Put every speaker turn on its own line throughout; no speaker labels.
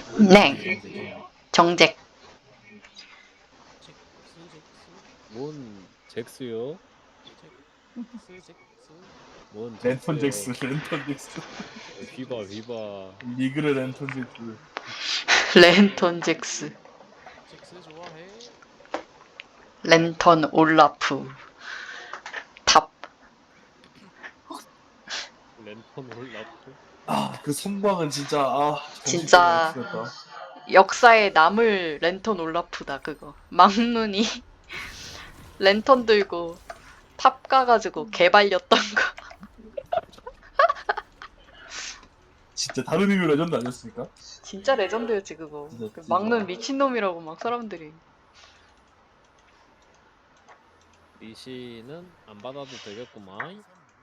네.
정색이야.
정잭.
뭔 잭스요? 뭔
랜턴
잭스요?
잭스, 랜턴 잭스.
휘바 휘바.
리그레 랜턴 잭스.
랜턴 잭스.
잭스 좋아해.
랜턴 올라프. 탑.
랜턴 올라프.
아, 그 선방은 진짜, 아, 정신병
진짜
X였다.
역사에 남을 랜턴 올라프다 그거. 막눈이 랜턴 들고 탑 가가지고 개발렸던 거.
진짜 다른 의미로 레전드 아니었습니까?
진짜 레전드였지 그거.
진짜,
그
진짜.
막눈 미친놈이라고 막 사람들이.
리시는 안 받아도 되겠구만.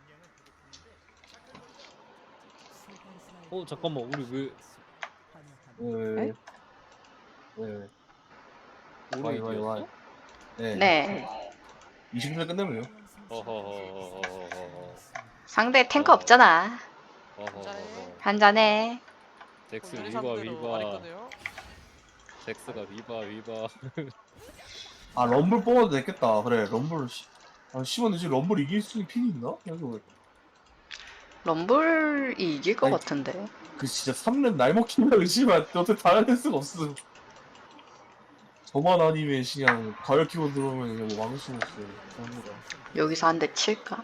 잠깐만 우리 왜
네. 네. 와이, 와이, 와이.
오르이디였어?
네.
네.
20분 끝내면요.
어허허허허허허.
상대 탱커 없잖아.
어허허허.
한잔해.
잭스
우리
위바
상대로 안
위바.
했거든요.
잭스가 위바 위바.
아, 럼블 뽑아도 됐겠다. 그래, 럼블. 아, 심한데 지금 럼블 이길 수 있는 핀이 있나? 그래서
럼블이 이길 것
아니,
같은데.
그 진짜 3렙 날 먹힌다 의심만 어떻게 다 해낼 수가 없어. 저만 아니면 그냥 가열 키고 들어오면 그냥 뭐 막을 수가 없어요. 그런 거가.
여기서 한 대 칠까?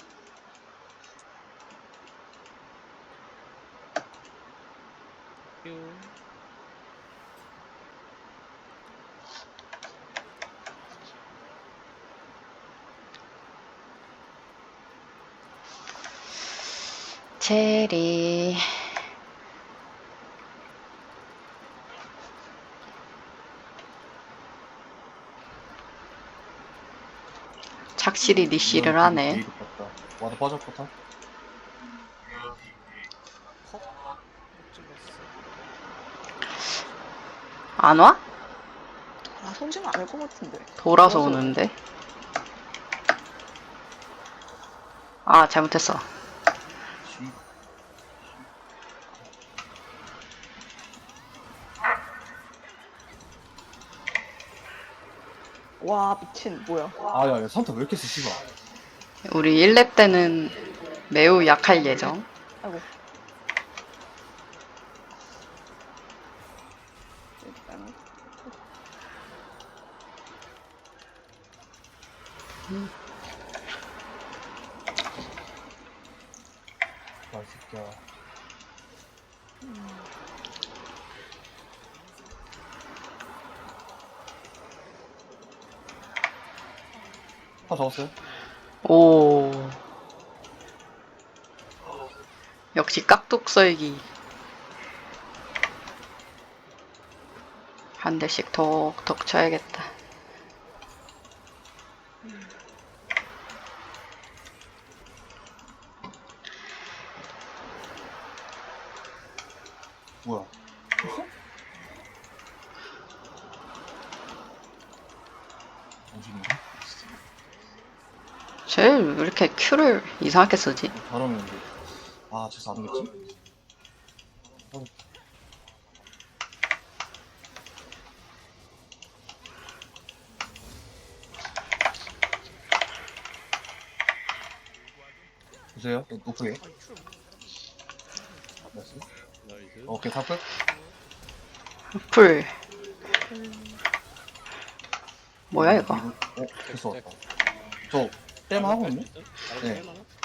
체리. 착실히 리시를 하네.
게이드 같다. 와도 빠졌거든.
헉. 못 찔렀어.
안 와?
아, 손지는 않을 것 같은데.
돌아서 오는데. 아, 잘못했어.
쥐.
와, 미친, 뭐야.
아, 야, 야, 산타 왜 이렇게 세, 씨발.
우리 1렙 때는 매우 약할 예정.
아이고. 일단,
아, 이 새끼야. 다 잡았어요?
오. 역시 깍둑썰기. 한 대씩 톡톡 쳐야겠다.
뭐야. 정신인가?
쟤왜 이렇게 큐를 이상하게 쓰지?
잘하면 이제. 아, 쟤서 안 오겠지? 보세요. 높게.
아니 큐를
됐어.
나이스.
오케이, 탑 끝.
풀. 뭐야 이거?
됐어, 왔다. 저, 땜 하거든요? 네.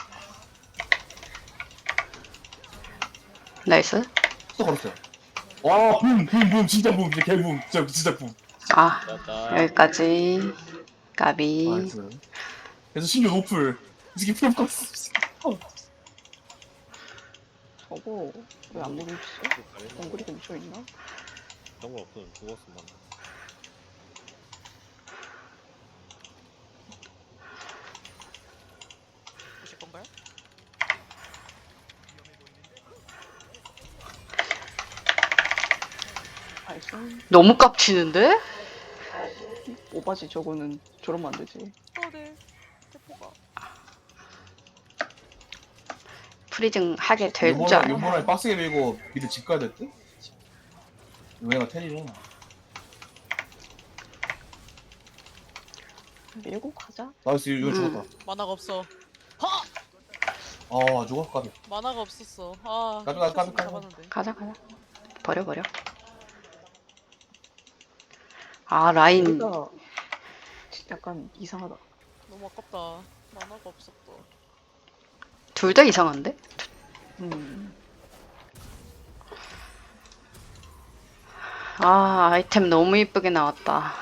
나이스.
또 걸었어요. 와, 붐, 진짜 붐, 진짜 개붐, 진짜 붐.
아,
맞다.
여기까지. 까비.
나이스. 그래서 신규 노플. 이 새끼 피해 갔어.
저거, 왜 안 보고 있어? 덩굴이 근처에 있나?
정글 없으면 죽었어 난.
보실 건가요?
나이스.
너무 깝치는데?
오바지, 저거는 저러면 안 되지.
네. 대포가.
프리징 하게 될 줄 알아.
요번에 빡세게 밀고 미드 집 가야 될 듯? 얘가 테리래.
밀고 가자.
나이스, 이거 죽었다.
만화가 없어.
아, 죽었어, 까비.
만화가 없었어. 아,
가자, 가자, 가자.
잡았는데.
가자. 버려. 아, 라인.
여기가 약간 이상하다.
너무 아깝다. 만화가 없었다.
둘 다 이상한데?
음.
아, 아이템 너무 이쁘게 나왔다.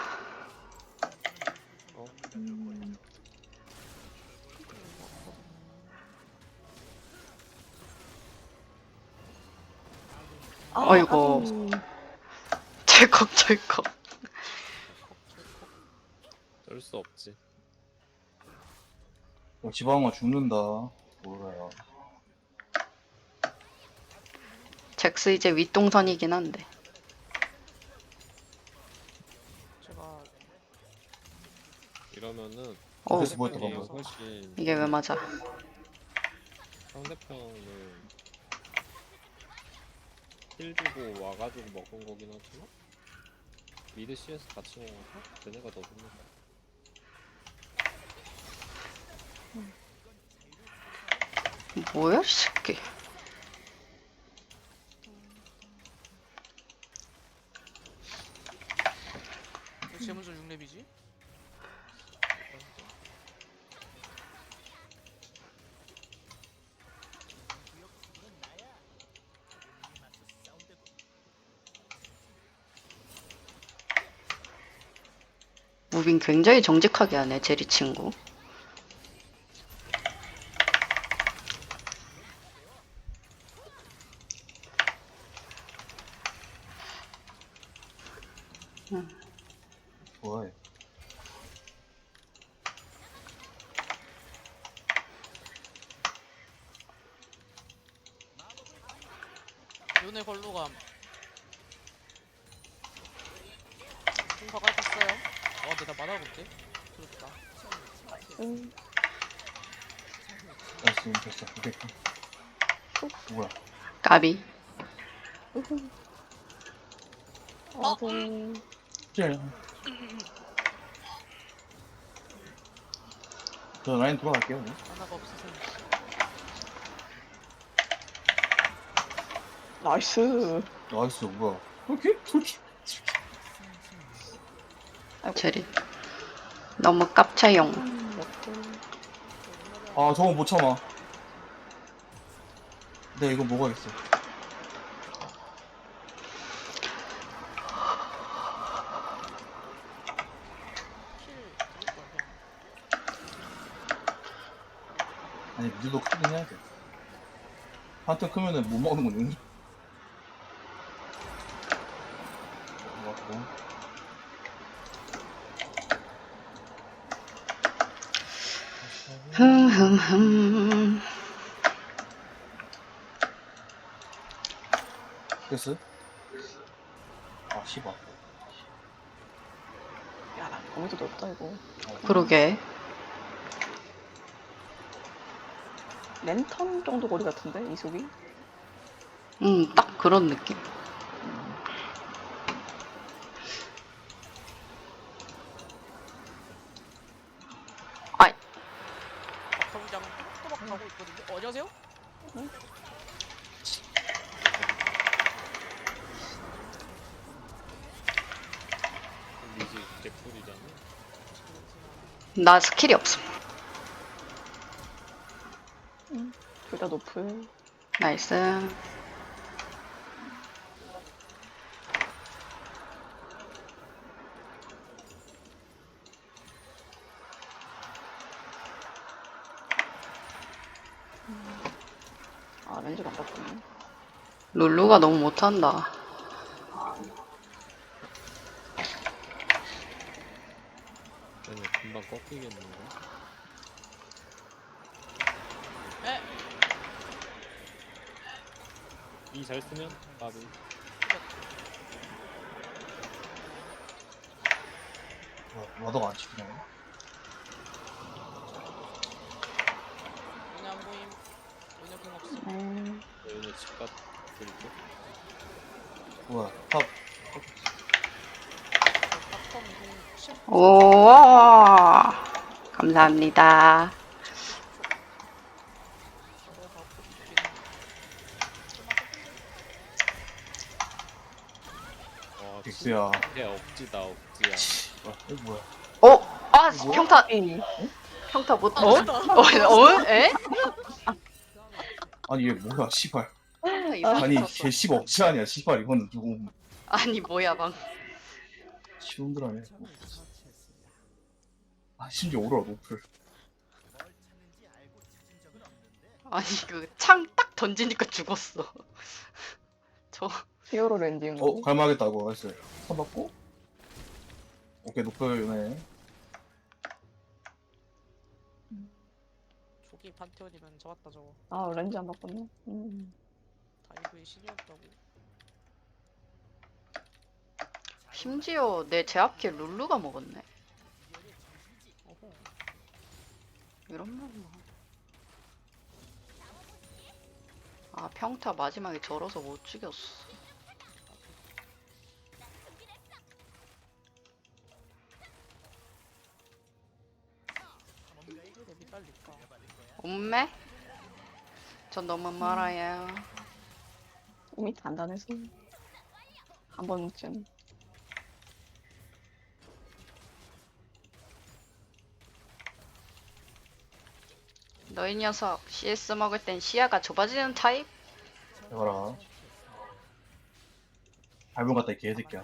어이구. 철컥.
쩔 수 없지.
지방아 죽는다. 뭐야.
잭스 이제 윗동선이긴 한데.
제가
이러면은
어,
그래서 뭐 했다,
상대편이
방금?
훨씬
이게 왜 맞아?
상대편을 힐 주고 와가지고 먹은 거긴 하지만 미드 CS 같이 먹어서 얘네가 더 좋네.
뭐야, 이 새끼.
왜 제문전 6렙이지?
무빙 굉장히 정직하게 하네, 제리 친구.
뭐야.
요네 걸로감. 공사가 됐어요. 근데 나 만화가 없지? 그렇다.
나이스, 됐어. 오케이. 뭐야.
까비.
아들.
쟤. 저 라인 돌아갈게요.
만화가 없어서.
나이스.
나이스, 뭐야. 오케이? 솔직히.
제리. 너무 깝차용.
아, 저거 못 참아. 네, 이거 먹어야겠어.
킬 들을 거야.
아니, 미드도 크긴 해야 돼. 한턴 크면은 못 먹는 건 용기. 맞고.
흠.
됐어? 아, 씨발.
야, 범위도 넓다 이거.
그러게.
랜턴 정도 거리 같은데 이속이?
딱 그런 느낌. 아이,
박성장 또박 가고 있거든요. 안녕하세요?
미지 개꿀이잖아.
나 스킬이 없음.
둘 다 높을.
나이스.
아, 렌즈가 안 바꾸네.
룰루가 너무 못한다.
얘네 금방 꺾이겠는데.
에?
이 잘 쓰면 밥이
와더가 안 치네.
요네 안 보임. 요네 공 없어.
얘네 집값 드릴게.
뭐야. 탑.
오, 감사합니다.
와
빅스야.
진짜 억지다 억지야.
이거 뭐야?
아,
뭐야?
평타,
에이,
평타 못,
아,
어?
진짜.
에?
아니 얘 뭐야 씨발.
평타 이상
아니
쳤어.
개 씨발 억지 아니야 씨발 이거는 조금
아니, 뭐야, 방.
시원들하네. 아 심지어 오로라 노플.
아니, 그, 창 딱 던지니까 죽었어. 저,
히어로 렌징.
갈망하겠다고 했어요. 선 받고. 오케이 노플네.
조기 판테온이면 좋았다 저거.
아, 렌즈 안 바꿨네.
다이브의 신이었다고.
심지어 내 제압킬 룰루가 먹었네.
어허.
이런 말 뭐. 아, 평타 마지막에 절어서 못 죽였어.
왜 미달릴까?
엄매? 전 너무 멀어요.
이미 단단해서. 한 번쯤.
너희 녀석 CS 먹을 땐 시야가 좁아지는 타입?
해봐라. 밟은 같다 이 개새끼야.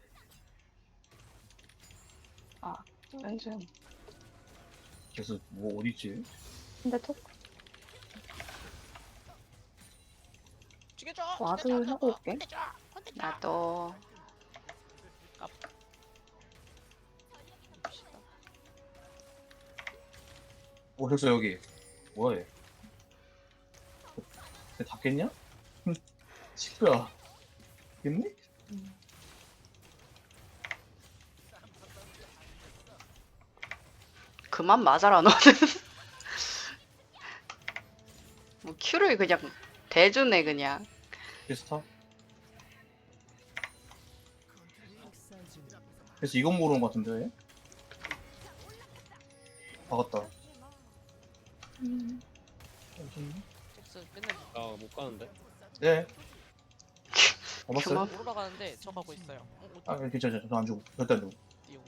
렌즈.
그래서 뭐 어디있지?
근데 톡
죽여줘.
와드
죽여줘,
하고 올게.
혼내줘. 혼내줘.
나도.
봅시다.
그래서 여기 뭐야 얘? 쟤 닫겠냐? 식구야. 겠니?
그만 맞아라 너는. 뭐 큐를 그냥 대주네 그냥.
비스타? 그래서 이건 모르는 것 같은데. 박았다.
잭스 맨날
나못 가는데.
네. 잡았어요?
그만.
올라가는데 저 가고 있어요.
아 괜찮아. 저안 주고. 절대 안 주고.
띠용.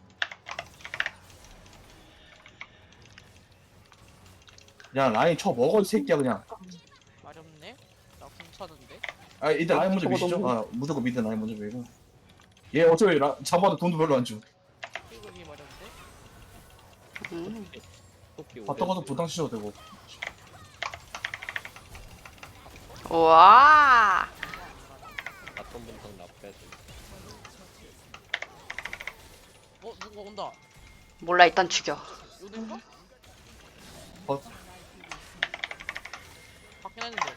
그냥 라인 쳐 먹어 이 새끼야 그냥.
마렵네. 나 궁차는데.
아 일단 라인 먼저
저거
미시죠.
너무-
아 무조건 미드 라인 먼저 밀고. 얘 어차피 잡아도 돈도 별로 안 줘.
이글이 마렵네.
음.
토끼
봤다 가서 부당 치셔도 되고.
우와.
바텀 분탕 나빼지.
누가 온다.
몰라 일단 죽여.
요든가?
어?
받긴 했는데.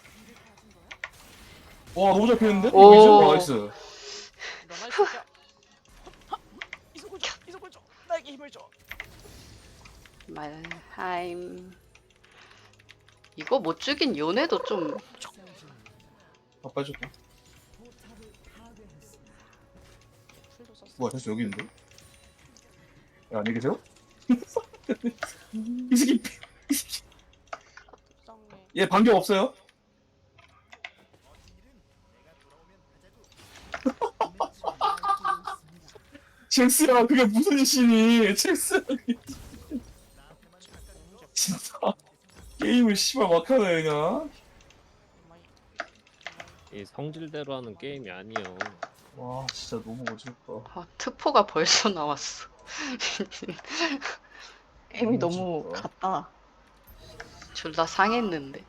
와 너무 잘 피했는데?
오.
이거 나이스.
일어나 이 새끼야. 이속을 줘. 이속을 줘. 나에게 힘을 줘.
말하임. 이거 못 죽인 요네도 좀.
아 빠졌고.
풀도 썼어.
뭐야 됐어 여기 있는데? 야 안녕히 계세요? 이 새끼
불쌍해.
얘 반격 없어요? 잭스야 그게 무슨 짓이니 잭스 진짜 게임을 씨발 막하네 그냥.
이 성질대로 하는 게임이 아니요.
와 진짜 너무 어지럽다.
아, 트포가 벌써 나왔어.
게임이
너무
너무
진짜.
같다.
둘 다 상했는데.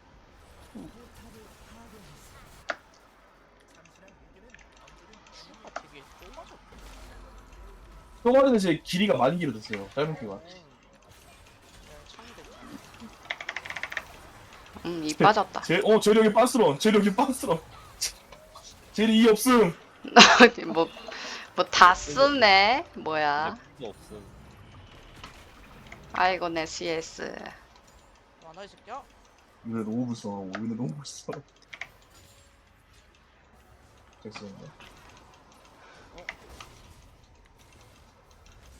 슈가 되게 좁아졌다.
똥아리는 제 길이가 많이 길어졌어요 짧은 키가.
창도.
이 빠졌다.
재력이 빤스러 재력이 빤스러 젤이 이 없음.
뭐 다 쓰네. 뭐야.
필요 없음.
아이고 내 CS.
와나 이 새끼야.
이거 너무 불쌍하고 이거 너무 불쌍해. 잭스인데.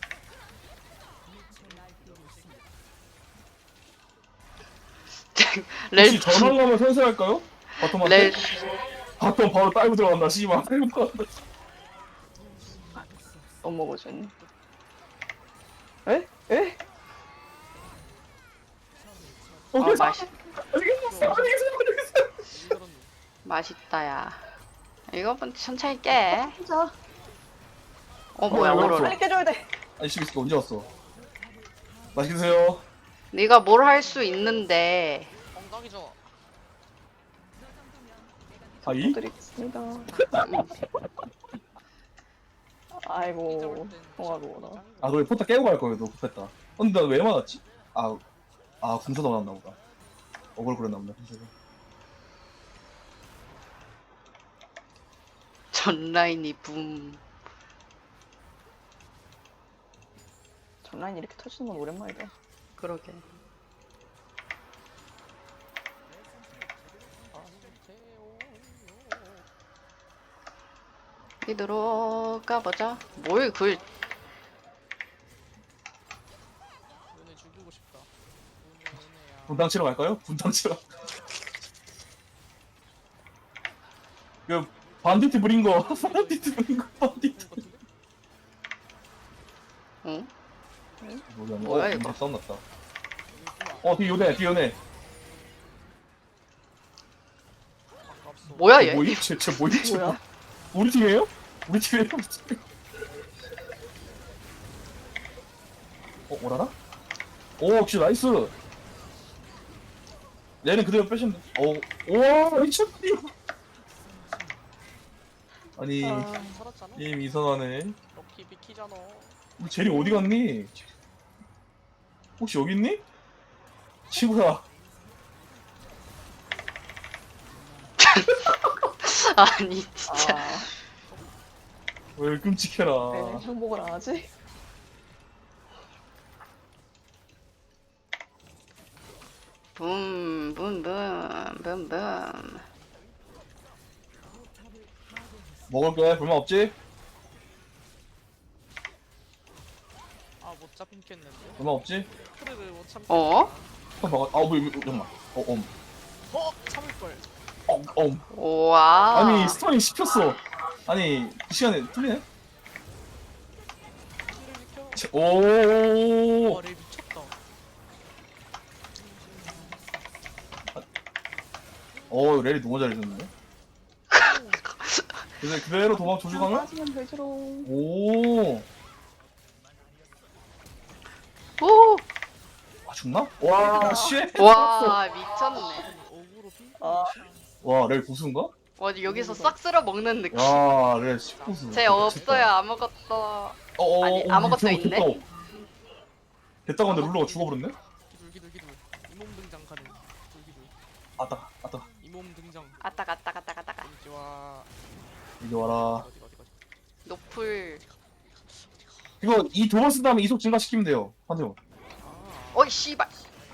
렐
혹시 전원 가면 선수할까요? 바텀한테?
렐
바텀 바로 딸고 들어간다 씨발 딸고 들어간다.
너무 먹어준. 에? 에?
맛있
알겠어.
이거는
맛있다야. 이거는 천천히 깨.
자,
뭐야
왜
오로라.
없어?
빨리 깨줘야 돼.
아니 씨발 이거 언제 왔어? 맛있게 드세요.
네가 뭘 할 수 있는데.
엉덩이죠.
아이?
드리겠습니다. 아이고, 통화로워라.
아 그래 포타 깨고 갈 거예요. 너 급했다. 근데 나 왜 맞았지? 궁서 나왔나 보다. 어글 그랬나 보다. 궁서가.
전 라인이 붐.
전라인 이렇게 터지는 건 오랜만이다.
그러게. 이 들어가 보자. 뭘 글?
은혜 죽이고 싶다. 은혜야.
분당 치러 갈까요? 분당 치러. 그 반디트 부린 거. 반디트 부린 거. 반디트.
응?
뭐야
이거?
이거 싸움 났다. 뒤 요네 뒤 요네.
아깝소.
뭐야 얘?
뭐임? 쟤 뭐임? 쟤
뭐야?
우리 팀이에요? 우리 팀이에요? 오라나? 오 역시 나이스. 얘는 그대로 빼시면 돼. 오 미쳤니? 아니
살았잖아.
게임 이상하네.
럭키 비키잖아.
우리 제리 어디 갔니? 혹시 여기 있니? 친구야.
아니 진짜.
아,
왜 끔찍해라.
왜 행복을 안 하지?
붐붐붐붐붐.
먹을 거야? 불만 없지?
아못 잡겠는데.
불만 없지?
크르를 못 참겠.
어?
잠깐만.
참을 걸.
우와.
아니 스턴이 씹혔어. 아니 그 시간에 틀리네?
크르 비켜.
오.
와레 미쳤다.
렐이 너무 잘해줬는데? 그래서 그대로 도망 조주가면?
빠지면 되지롱.
오.
오.
죽나? 와, 쉣.
와 미쳤네.
어그로 핑.
아.
와, 렐 고수인가?
와 여기서 싹 쓸어 먹는 느낌.
야, 렐 10고수.
쟤 없어요 아무것도. 아니, 아무것도 있네?
됐다고 근데 룰러가 죽어버렸네?
기둘. 이몸 등장 가능. 기둘.
아따.
이몸 등장.
아따가.
이지와.
이리 와라.
어디.
노플.
이거 이 두 번 쓴 다음에 이속 증가시키면 돼요. 한대요.
아.
어이 씨발.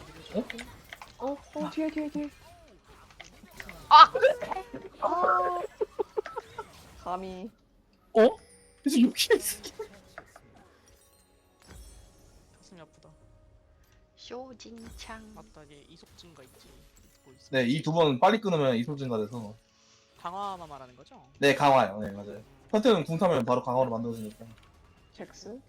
뒤에.
아.
아. 감히.
그래서 여기에 있어.
가슴이 아프다.
쇼진창.
맞다 얘 이속 증가 있지. 잊고 있어.
네, 이 두 번 빨리 끊으면 이속 증가돼서.
강화만 말하는 거죠?
네, 강화요. 네, 맞아요. 선택은 궁 타면 바로 강화로 만들어지니까.
잭스?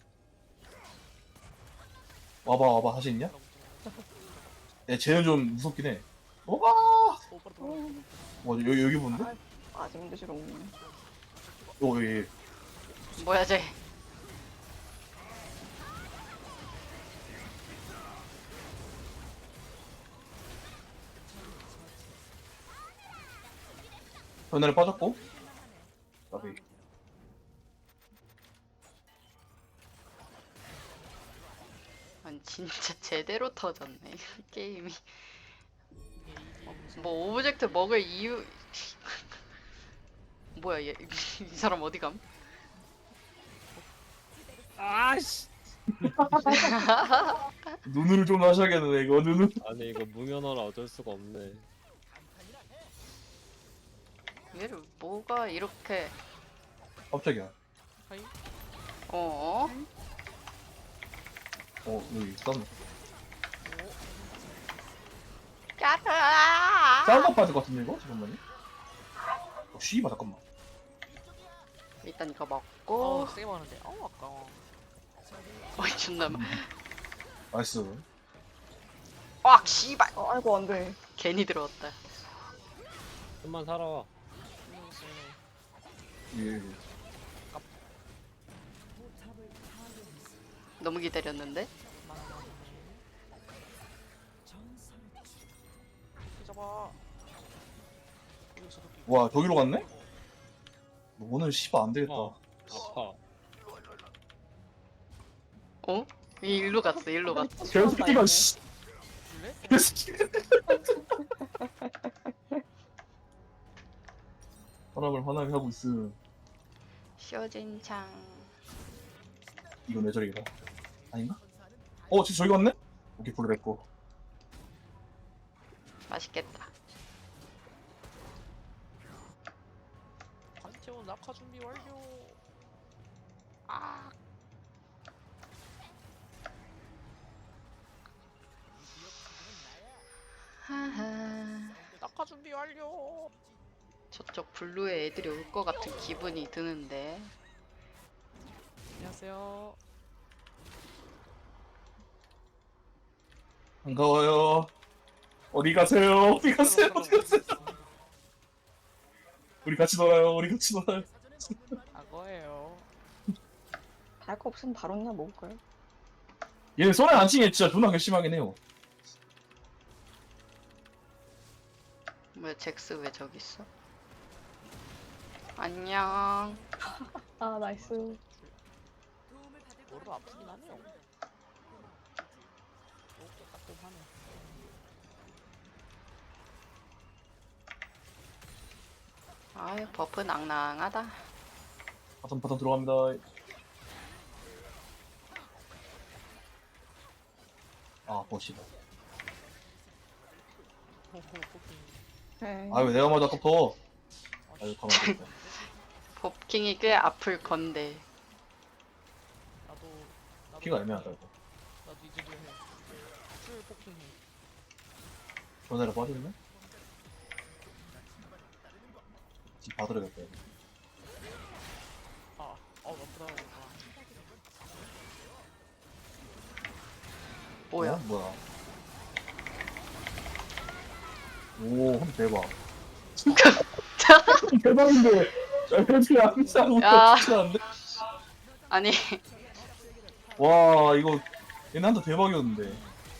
와봐, 하시 있냐? 네, 쟤는 좀 무섭긴 해.
오 빠르다.
여기 보는데?
빠지면 되지롱.
여기.
뭐야 쟤.
전날에 빠졌고. 나비.
아니 진짜 제대로 터졌네 이 게임이.
이게 이게
뭐 오브젝트 먹을 이유. 뭐야 얘. 이 사람 어디 감?
아씨.
눈을 좀 하셔야겠네, 이거, 눈을.
아니 이거 무면허라 어쩔 수가 없네.
얘를 뭐가 이렇게.
깜짝이야.
하이.
어?
여기 있었네.
까르아.
짤막 빠질 것 같은데 이거? 잠깐만요. 씨발 잠깐만.
일단 이거
어
먹고.
세게 먹는데. 아까워.
어이 존나.
나이스.
와 씨발.
아이고 안 돼.
괜히 들어왔다.
좀만 살아.
예.
너무 기다렸는데.
잡아. 여기서 도끼.
와 저기로 갔네? 오늘 씨발 안 되겠다.
아파.
어? 일로 갔어. 일로 갔어.
개새끼가 씨.
줄래?
개새끼. 사람을 화나게 하고 있음.
쇼진창.
이건 왜 저리가? 아닌가? 진짜 저기 갔네? 오케이 불을 냈고.
맛있겠다.
판테온 낙하 준비 완료.
아. 하하.
낙하 준비 완료.
저쪽 블루에 애들이 올 것 같은 기분이 드는데.
안녕하세요.
반가워요. 어디 가세요? 어디 가세요? 어디 가세요? 우리 같이 놀아요. 우리 같이 놀아요.
악어예요.
달 거 없으면 바로 그냥 먹을까요?
얘는 손에 안 치게 진짜 존나 괘씸하긴 해요.
뭐야 잭스 왜 저기 있어? 안녕.
아 나이스.
머리가 아프긴 하네요. 이렇게 따끔하네.
아유 버프 낭낭하다.
바텀 들어갑니다. 아 멋있다.
호호 포킹.
네.
아왜 내가 맞아 아까부터. 아유 가만히 있다.
법킹이 꽤 아플 건데.
나도
피가 애매하다 이거.
나도 이제 뭐 해. 풀 포킹 해.
전화를 빠졌네? 지금 봐드려야겠다 이거.
아프다.
뭐야?
뭐야? 오, 한 대박. 대박인데. 애들이 안 싸고
야.
않는데?
아니
와, 이거 얘네 한타 대박이었는데.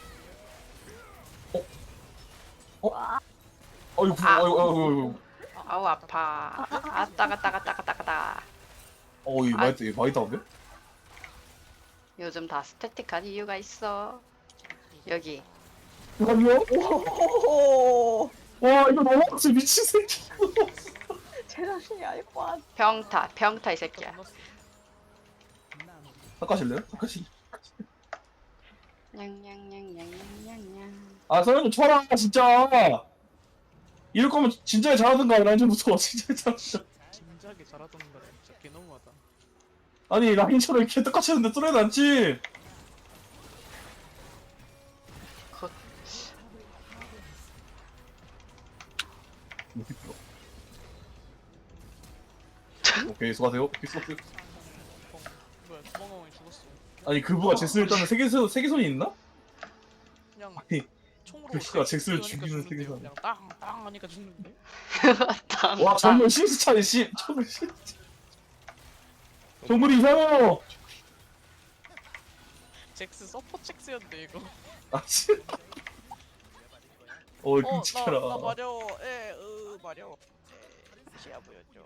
이거 아이고.
아우 아파. 아따가따가따가따가다.
이거 많이 다운데?
요즘 다 스태틱한 이유가 있어. 여기
잠깐만요.
오호호호.
와, 이거 너무 미친 새끼.
제 자신이 아닐 것 같아.
병타 이 새끼야.
닦아실래요? 닦아실래?
냥냥냥냥냥냥냥.
아, 서영 좀 쳐라, 진짜. 이럴 거면 진작에 잘하던가, 라인전부터. 진작에 잘하던가.
진작에 잘하던 거라 진짜 개 너무하다.
아니, 라인처럼 이렇게 똑같이 하는데 뚫어야 낫지.
그
오케이, 수고하세요. 오케이, 수고하세요.
뭐야 주먹왕이 죽었어.
아니, 그부가 잭스를 따는 세계선이 있나?
그냥
아니,
총으로
그가 잭스를
하니까
죽이는
죽는데요.
세계선.
그냥 땅땅 하니까 죽는데.
와, 정글 신스 차이, 정글 신스. 정글이 이상해요.
잭스 서포 잭스였는데 이거.
아, 진짜. 이거 끔찍해라.
나 마려. 마려. 시야 보였죠.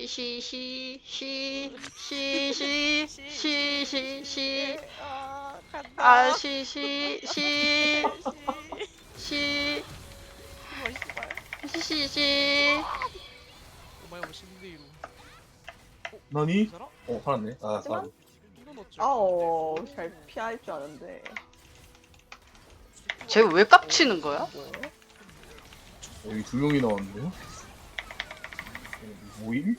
시시시시시시시시
간다.
아 시시시시 시시
뭐야 뭐 10대 1로.
너니?
살아?
살았네. 아,
하지만-
sorry.
이거 넣었죠.
잘 피할 줄 아는데.
쟤 왜 깝치는 거야?
뭐예요?
여기 두 명이 나왔는데요? 뭐임?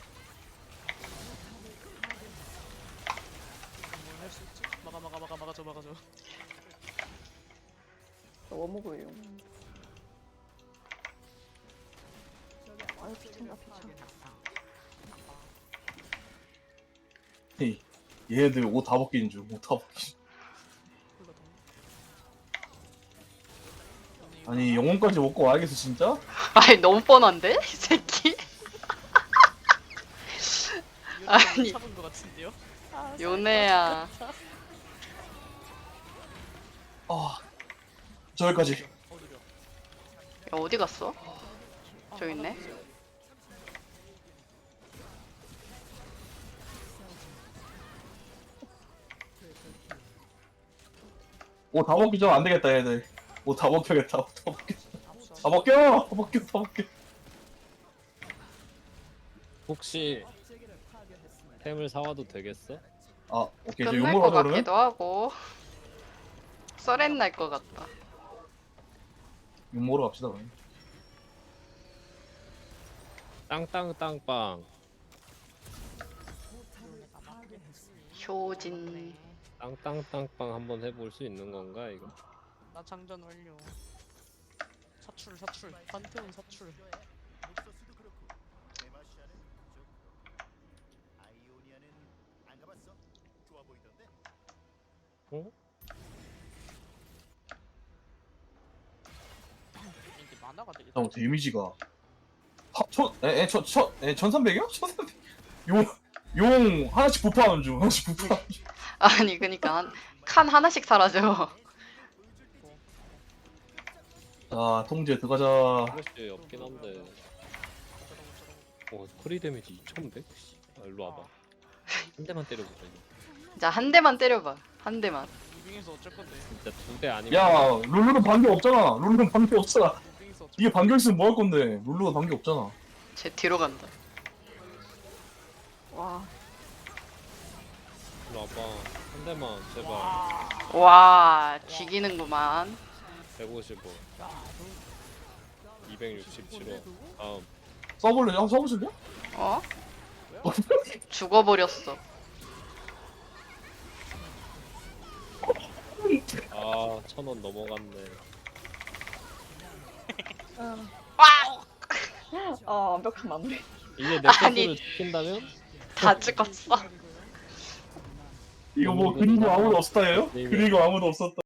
뭘할수 있지? 막아 저 막아.
뭐 먹어요? 아유 귀찮아 귀찮아.
얘네들 옷 다 벗기는 중. 옷 다 벗기. 아니 영혼까지 먹고 와야겠어 진짜?
아니 너무 뻔한데? 이 새끼? 아니.
잡은 것 같은데요? 아,
요네야.
아 저기까지.
어디려?
야, 어디 갔어? 저기 있네.
옷 다 벗기죠? 안 되겠다 얘들. 옷 다 벗겨야겠다. 옷 다 벗겨. 다 벗겨. 다 벗겨. 다 벗겨.
혹시 템을 사와도 되겠어?
아 오케이 저
끝날
욕먹으러
것
가자 그러면.
같기도 하고 썰엔 날 것 같다.
욕먹으러 갑시다 그럼.
땅땅땅빵.
효진.
땅땅땅빵 한번 해볼 수 있는 건가 이거?
나 장전 완료. 사출. 판테온 사출.
어?
이게 만화가 되게.
잠깐 데미지가 천 1300이요? 1300. 용 하나씩 부파하는 중. 하나씩 부파하는 중.
아니 그니까 칸 하나씩 사라져.
자 통제 들어가자.
플래시 없긴 한데. 프리 데미지 2100? 아, 일로 와봐. 한 대만 때려보자 이거.
자 한 대만 때려봐. 한 대만.
무빙에서 어쩔 건데?
진짜 2대 아니면.
야 룰루는 반격 없잖아. 룰루는 반격 없잖아.
무빙에서 어쩔
이게 반격 있으면 뭐 할 건데? 룰루가 반격 없잖아.
쟤 뒤로 간다.
와
일로 와봐. 한 대만 제발.
와 죽이는구만.
155. 267호. 다음.
써볼래요? 한번 써보실래요?
어? 죽어버렸어.
아, 1000원 넘어갔네.
아 완벽한 마무리.
이제 내
아니.
스스로 지킨다면?
다 죽었어.
이거 뭐 그리고 아무도 없었다예요?
네,
그리고 아무도 없었다.